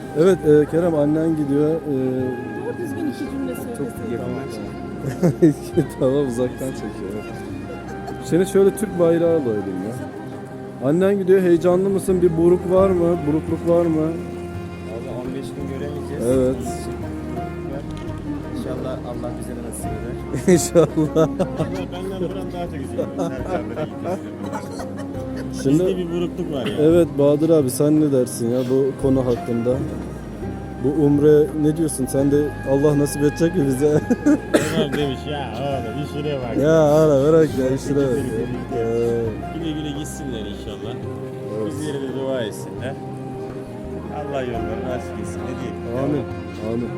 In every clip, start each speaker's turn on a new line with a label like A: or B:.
A: Evet Kerem, annen gidiyor.
B: Doğru düzgün iki cümle söyleseydin.
A: Tamam, uzaktan çekiyor. Seni şöyle Türk bayrağı alayım ya. Annen gidiyor, heyecanlı mısın? Bir buruk var mı? Burukluk var mı?
C: Abi 15 gün göremeyeceğiz.
A: Evet.
C: İnşallah Allah bize de nasip eder.
A: İnşallah.
C: Benden buram daha çok üzülüyorum. Serkanlara gitmesinden.
A: Şimdi,
C: Bizde bir burukluk var ya.
A: evet Bahadır abi, sen ne dersin ya bu konu hakkında? Bu umre ne diyorsun? Sen de Allah nasip edecek mi bize?
C: Ömer demiş ya oğlum işine bak.
A: Ya ara bırak ya, işine bak.
C: Güle güle gitsinler inşallah. Bizlere de dua etsinler. Allah yollarını açık etsin. Ne diyeyim?
A: Amin. Amin.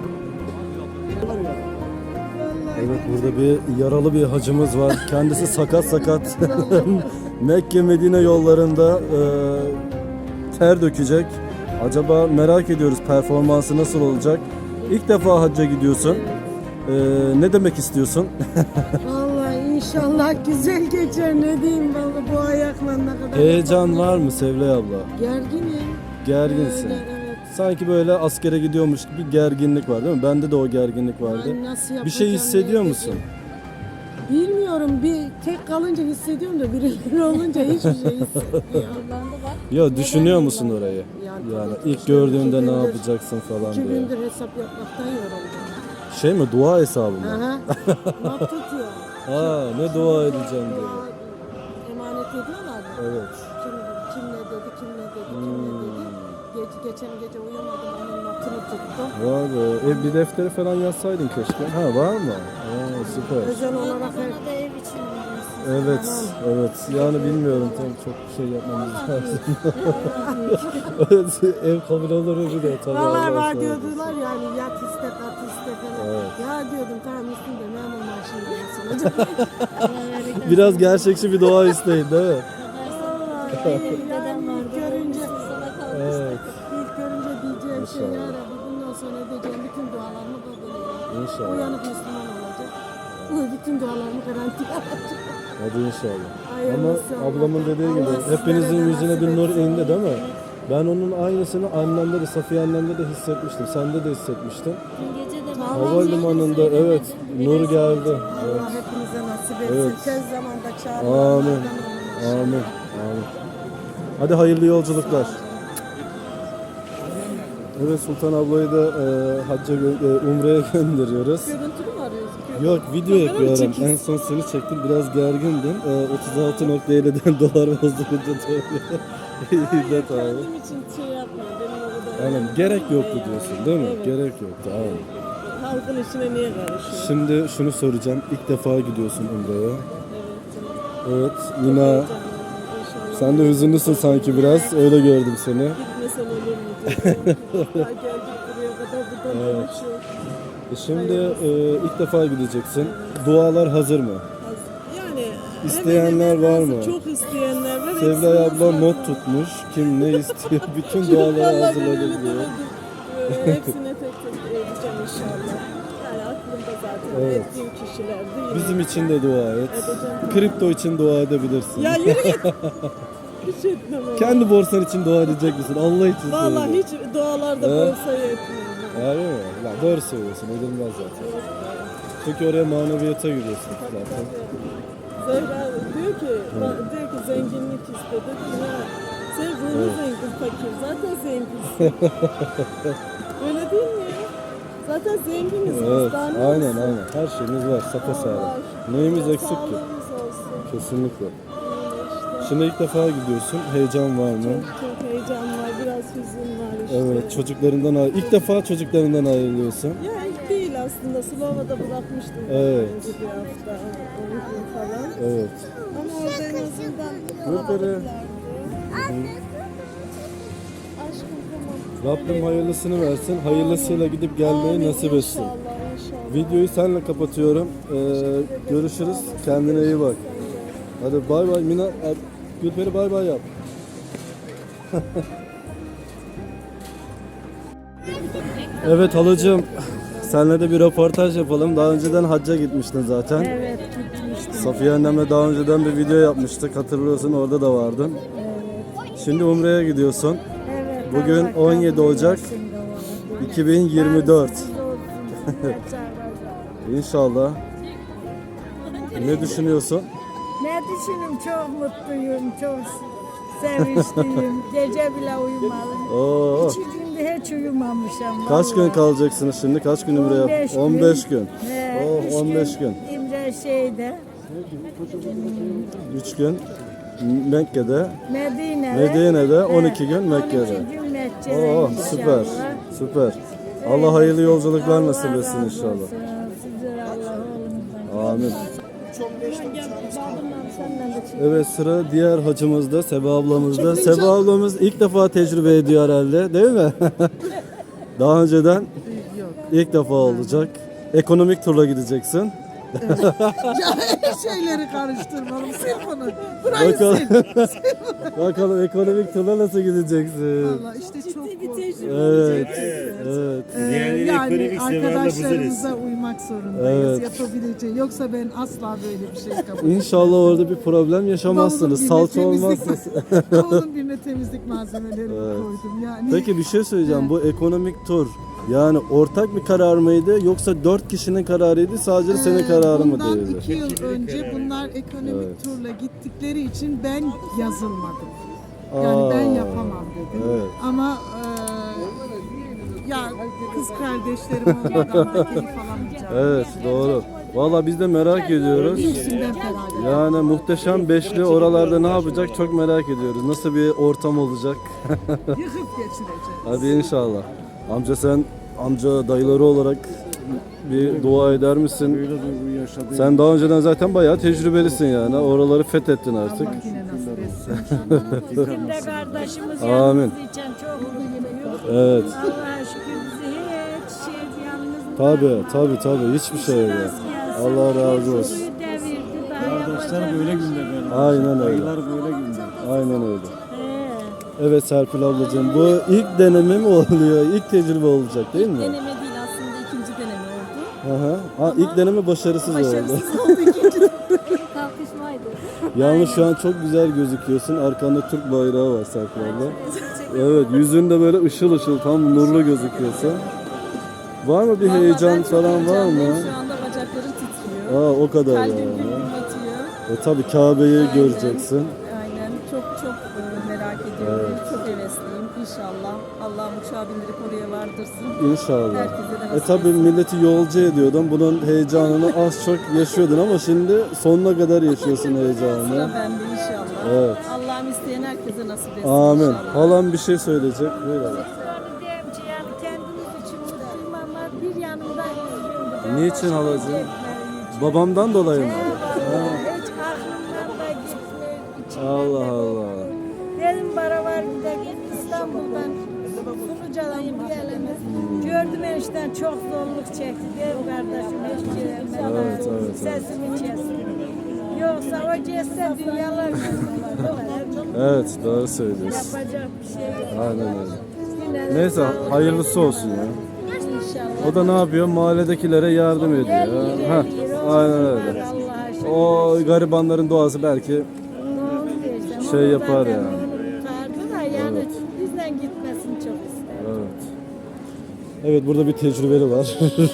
A: Evet, burada bir yaralı bir hacımız var. Kendisi sakat sakat. Mekke Medine yollarında ter dökecek. Acaba merak ediyoruz, performansı nasıl olacak? İlk defa hacca gidiyorsun. Ne demek istiyorsun?
B: Vallahi inşallah güzel geçer, ne diyeyim vallahi bu ayakla ne kadar.
A: Heyecan var mı Sevlay abla?
B: Gerginim.
A: Gerginsin.
B: Öyle, evet.
A: Sanki böyle askere gidiyormuş gibi bir gerginlik var değil mi? Bende de o gerginlik vardı.
B: Ben nasıl
A: Bir şey
B: yapacağım,
A: hissediyor
B: ne
A: musun?
B: edeceğim? Bilmiyorum, bir tek kalınca hissediyorum da birileri olunca hiçbir şey hissetmiyorum.
A: Ya düşünüyor musun orayı? Yani ilk gördüğünde ne yapacaksın falan
B: 2
A: diye.
B: gündür hesap yapmaktan yoruldum.
A: Şey mi, dua hesabı mı?
B: Aha. Not tutuyor.
A: Ha, ne dua edeceğim diye.
B: Emanet ediyorlar mı?
A: Evet.
B: Kim ne dedi, kim ne dedi, kim ne dedi. Geçen gece uyumadım, onun notunu tuttum.
A: Vay be. Bir defteri falan yazsaydın keşke. Ha, var mı? Aa, süper.
B: Özel olarak
D: da ev için
A: Evet, evet. Yani bilmiyorum, tabii çok şey yapmamız lazım. Evet, ev kabul olur mu bir de tabii.
B: Vallahi
A: Allah
B: var
A: sağ
B: diyordular yani, yat iste, kat iste falan.
A: Evet.
B: Ya diyordum tamam, üstünde memur maaşını gelsin.
A: Biraz gerçekçi bir dua isteyin değil mi?
D: Dedem vardı.
B: Görünce,
A: Evet.
B: ilk görünce diyeceğim şey ya
A: İnşallah.
B: Rabbi, bundan sonra edeceğim bütün dualarımı kabul ediyorum.
A: İnşallah.
B: Uyanık Müslüman olacak. Bu bütün dualarımı garanti alacak.
A: Hadi inşallah.
B: Hayırlısı
A: Ama ablamın dediği gibi
B: Allah sizlere
A: hepinizin
B: de
A: yüzüne
B: nasip
A: bir nur
B: etsin.
A: indi değil mi? Ben onun aynısını annemde de, Safiye annemde de hissetmiştim. Sende de hissetmiştin.
D: Gece de
A: Havalimanında evet, nur geldi.
B: Allah
A: Evet.
B: hepinize nasip etsin.
A: Evet.
B: Tez zamanda
A: Amin.
B: çağrılardan olun.
A: Amin. Amin. Hadi hayırlı yolculuklar. Evet, Sultan ablayı da hacca umreye gönderiyoruz.
B: Görüntülü mü arıyorsun?
A: Yok, video
B: Kamera mı
A: yapıyorum.
B: çekiyorsun?
A: En son seni çektim. Biraz gergindim. 36.50'den dolar bozulunca tabii. İyi tamam.
B: Kendim için şey yapmıyor. Benim orada
A: Aynen. Gerek yoktu diyorsun değil mi?
B: Evet.
A: Gerek yoktu. Aynen.
B: Halkın içine niye karışıyor?
A: Şimdi şunu soracağım. İlk defa gidiyorsun umreye.
B: Evet.
A: Evet. Nina,
B: İnşallah.
A: sen de hüzünlüsün sanki biraz. Öyle gördüm seni.
B: Gitmesem olur mu diyorum. Daha geldik buraya kadar, buradan
A: Evet.
B: dönüş yok.
A: Şimdi ilk defa gideceksin. Dualar hazır mı?
B: Yani
A: İsteyenler
B: hemen hemen
A: var mı?
B: Çok isteyenler var.
A: Sevlay
B: Hepsini
A: abla
B: hazırladım.
A: not tutmuş. Kim ne istiyor? Bütün duaları
B: Vallahi
A: hazırladık
B: ben öyle
A: diyor.
B: demedim. Hepsine tek tek edeceğim inşallah. Yani aklımda zaten
A: Evet.
B: ettiğim kişiler değil.
A: Bizim için de dua et.
B: Edeceğim.
A: Kripto için dua edebilirsin.
B: Ya yürü git. Hiç etmem onu.
A: Kendi borsan için dua edecek misin? Allah için
B: Vallahi
A: söyle.
B: hiç dualarda
A: Evet.
B: borsaya etmiyorum.
A: Öyle mi? Ya doğru söylüyorsun. Edilmez zaten. Çünkü oraya maneviyata giriyorsun zaten.
B: Zehra diyor ki zenginlik istedi. Ya sen ruhu zengin, fakir. Zaten zenginsin. Öyle değil mi ya? Zaten zenginiz biz.
A: Evet.
B: Daha ne
A: Aynen
B: olsun?
A: aynen. Her şeyimiz var. Sapasağlam.
B: Allah
A: Neyimiz
B: aşkına.
A: eksik ki?
B: Sağlığımız olsun.
A: Kesinlikle.
B: Öyle işte.
A: Şimdi ilk defa gidiyorsun. Heyecan var mı?
B: Çok heyecan var, biraz hüzün var işte.
A: Evet. Çocuklarından ilk defa çocuklarından ayrılıyorsun.
B: Ya ilk değil aslında. Slova'da bırakmıştım.
A: Evet.
B: Önce bir hafta, 10 gün falan.
A: Evet.
B: Ama orada en azından
A: Yukarı.
B: Aşkım tamam.
A: Rabbim hayırlısını versin. Hayırlısıyla gidip gelmeyi
B: Amin,
A: nasip etsin.
B: İnşallah, inşallah.
A: Videoyu seninle kapatıyorum. Görüşürüz. Kendine iyi bak. Hadi bay bay Mina. Gülperi bay bay yap. Evet halacığım. Seninle de bir röportaj yapalım. Daha önceden hacca gitmiştin zaten.
B: Evet, gitmiştim.
A: Safiye annemle daha önceden bir video yapmıştık. Hatırlıyorsun, orada da vardın.
B: Evet.
A: Şimdi umreye gidiyorsun.
B: Evet.
A: Bugün
B: Allah
A: 17
B: kabul
A: Ocak.
B: etsin de
A: 2024.
E: Siz olsun.
A: İnşallah. Ne düşünüyorsun?
E: Ne düşünüm, çok mutluyum, çok sevinçliyim. Gece bile uyumadım.
A: Oo.
E: 2 günde hiç uyumamışım.
A: Kaç gün
E: vallahi.
A: kalacaksınız şimdi? Kaç gün Ümre'ye?
E: 15 gün.
A: 15 gün.
E: He,
A: Oh,
E: üç
A: 15 gün.
E: İmre şeyde,
A: 3 gün Mekke'de,
E: Medine'de.
A: Medine'de, 12
E: He,
A: gün Mekke'de.
E: 12 gün Mekke'de
A: Oo, süper.
E: inşallah.
A: Süper. Allah hayırlı yolculuklar nasip
E: Allah
A: etsin
E: razı
A: inşallah.
E: olsun. Size Allah oğlunuzdan.
A: Amin.
B: Gel babamla senden de çek.
A: Evet, sıra diğer hacımızda, Seba ablamızda. Seba ablamız ilk defa tecrübe ediyor herhalde, değil mi? Daha önceden ilk defa olacak. Ekonomik turla gideceksin.
F: Şeyleri karıştırmalım. Sil bunu. Burayı
A: Bakalım,
F: sil.
A: bakalım ekonomik turla nasıl gideceksin?
F: Valla işte çok
A: Evet, evet.
C: Diğerleri
F: yani
C: ekonomik seviyede
F: arkadaşlarımıza uymak zorundayız.
A: Evet.
F: Yapabileceği. Yoksa ben asla böyle bir şey kabul
A: İnşallah orada bir problem yaşamazsınız. Salça olmazsa.
F: Bavulun birine temizlik malzemelerimi koydum. Yani
A: Peki bir şey söyleyeceğim. Bu ekonomik tur yani ortak bir karar mıydı yoksa 4 kişinin kararıydı sadece senin kararın mı
F: bundan
A: değildi?
F: 2 yıl önce bunlar ekonomik turla gittikleri için ben yazılmadım. Yani ben yapamam dedim.
A: Evet.
F: Ama ya kız kardeşlerim onlardan keyif alamayacağım.
A: Evet, doğru. Valla biz de merak ediyoruz.
F: İkisinden feragat.
A: Yani muhteşem beşli oralarda ne yapacak çok merak ediyoruz. Nasıl bir ortam olacak?
F: Yıkıp geçireceğim.
A: Hadi inşallah. Amca sen amca dayıları olarak bir dua eder misin? Sen daha önceden zaten bayağı tecrübelisin yani. Oraları fethettin artık.
F: Allah yine nasip etsin.
E: Bizim de kardeşimiz
A: Amin.
E: yalnız için çok mutluyum.
A: Evet.
E: Allah'a şükür bizi hiç şey yalnız
A: Tabii hiçbir şey yok. Allah razı olsun.
E: Suyu devirdi daha yapacak.
G: Böyle günde böyle.
A: Aynen öyle.
G: Aylar böyle günde.
A: Aynen öyle.
E: He.
A: Evet Serpil ablacığım bu ilk deneme mi oluyor? İlk tecrübe olacak değil mi?
B: Deneme değil aslında ikinci deneme oldu.
A: Hı hı. Ha, ilk deneme başarısız oldu.
B: Başarısız oldu ikinci
D: Kalkışmaydı.
A: Yalnız şu an çok güzel gözüküyorsun. Arkanda Türk bayrağı var Serpil abla. Evet yüzün de böyle ışıl ışıl tam nurlu gözüküyorsun. Var mı bir
B: Vallahi
A: heyecan
B: ben çok
A: falan var
B: heyecanlıyım.
A: mı?
B: Şu anda bacaklarım titriyor.
A: Aa o kadar
B: Kalbim
A: yani.
B: güm atıyor.
A: Tabii Kabe'yi
B: Aynen.
A: göreceksin.
B: Aynen. Çok merak ediyorum. Çok hevesliyim. İnşallah. Allah'ım uçağa bindirip oraya vardırsın.
A: İnşallah.
B: Herkese de nasip
A: Tabii
B: etsin.
A: milleti yolcu ediyordun. Bunun heyecanını az çok yaşıyordun ama şimdi sonuna kadar yaşıyorsun
B: Sıra
A: heyecanını.
B: bende inşallah.
A: Evet.
B: Allah'ım isteyen herkese nasip etsin
A: Amin.
B: inşallah.
A: Halam bir şey söyleyecek. Buyur abla.
E: Onu diyeyim ki yani kendimiz için mutluyum ama bir yanımda üzgündüm.
A: Niçin halacığım?
E: Gitmeyi için.
A: Babamdan dolayı mı?
E: Hiç aklımdan da gitmiyor. içimden
A: Allah
E: de
A: Allah.
E: korkuyor. Dedim bara var bir de git İstanbul'dan Suluca'dan diyelim. Gördüm enişten çok zorluk çekti. Dedim kardeşim hiç gelmedi.
A: Evet, evet.
E: Sesimi kesin. Yoksa o cesse dünyalar gözüküyor.
A: Evet doğru söylüyorsun.
E: Yapacak bir şey yok.
A: Aynen öyle.
E: Yine de
A: Neyse
E: sağlık
A: hayırlısı olsun ya.
E: inşallah.
A: O da ne yapıyor? Mahalledekilere yardım ediyor. Heh, aynen öyle.
E: Allah'a şükür.
A: O garibanların duası belki şey yapar yani.
E: Tutardı da yani bizden gitmesini çok isterim.
A: Evet. Evet burada bir tecrübeli var.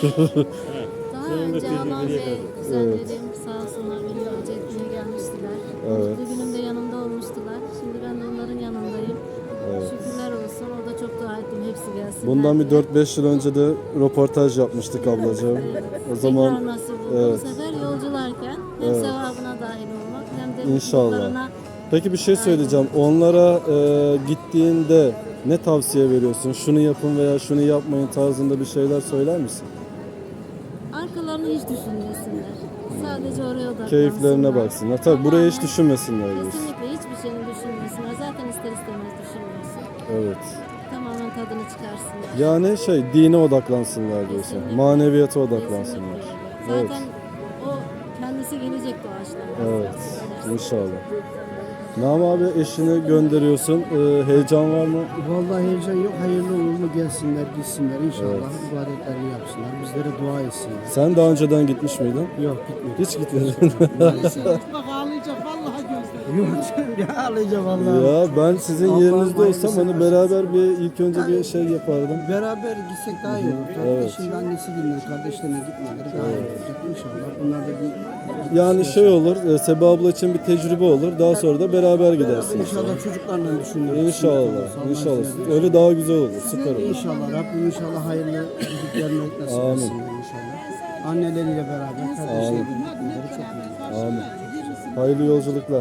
D: Daha önce halam ve kuzenlerim sağ olsunlar beni yolcu etmeye gelmiştiler.
A: Evet.
D: Mutlu günümde yanımda olmuştular. Şimdi ben de onların yanındayım. Şükürler olsun. O da çok dua ettim. Hepsi gelsin.
A: Bundan bir 4-5 yıl önce de röportaj yapmıştık ablacığım. O zaman
D: Tekrar nasip oldu.
A: evet.
D: Bu sefer yolcularken hem sevabına dahil olmak hem de
A: İnşallah.
D: mutluluklarına
A: Peki bir şey söyleyeceğim. Onlara gittiğinde ne tavsiye veriyorsun? Şunu yapın veya şunu yapmayın tarzında bir şeyler söyler misin?
D: arkalarını hiç düşünmesinler. Sadece oraya odaklansınlar.
A: Keyiflerine baksınlar. Tabii buraya hiç düşünmesinler diyorsun.
D: Kesinlikle hiçbir şeyini düşünmesinler. Zaten ister istemez düşünmüyorsun.
A: Evet.
D: Tamamen tadını çıkarsınlar.
A: Yani şey dine odaklansınlar diyorsun.
D: Kesinlikle.
A: Maneviyata odaklansınlar.
D: Kesinlikle.
A: Evet.
D: Zaten o kendisi gelecek doğaçlama.
A: Evet. İnşallah. Nam abi eşini gönderiyorsun. Heyecan var mı?
G: Vallahi heyecan yok. Hayırlı uğurlu gelsinler, gitsinler inşallah. İbadetlerini yapsınlar. Bizlere dua etsinler.
A: Sen daha önceden gitmiş miydin?
G: Yok gitmedi.
A: Hiç gitmedin.
F: Bak ağlayacak vallahi gözlerim.
G: Yok ya ağlayacağım vallahi.
A: Ya ben sizin
G: Allah'ım
A: yerinizde olsam
G: hayırlısı
A: hani beraber bir ilk önce bir şey yapardım.
G: Beraber gitsek daha iyi olur. Tabii
A: Evet.
G: şimdi annesi dinler, kardeşlerine gitmeleri daha iyi olacak inşallah. Bunlar da bir
A: Yani şey olur, Seba abla için bir tecrübe olur. Daha sonra da beraber gidersiniz.
G: İnşallah çocuklarla düşünüyoruz.
A: İnşallah, inşallah. Öyle daha güzel olur, süper olur.
G: İnşallah Rabbim inşallah hayırlı gidiklerini nasip
A: Amin.
G: etsin inşallah. Anneleriyle beraber kardeşleriyle gitmeleri çok iyi.
A: Amin. Hayırlı yolculuklar.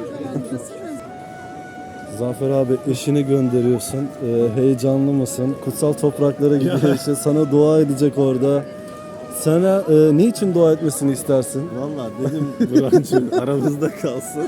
A: Zafer abi eşini gönderiyorsun. Heyecanlı mısın? Kutsal topraklara gidiyor işte. Sana dua edecek orada. Sana ne için dua etmesini istersin?
C: Valla dedim Burhan'cığım aramızda kalsın.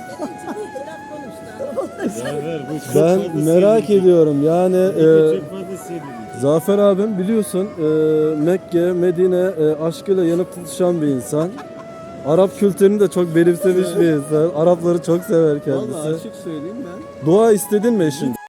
C: Zafer bu çok
A: Ben
C: fazla
A: merak
C: sevindim.
A: ediyorum. Yani
C: Çok fazla sevindim.
A: Zafer abim biliyorsun Mekke, Medine aşkıyla yanıp tutuşan bir insan. Arap kültürünü de çok benimsemiş bir insan. Arapları çok sever kendisi.
C: Valla açık söyleyeyim ben.
A: Dua istedin mi eşin?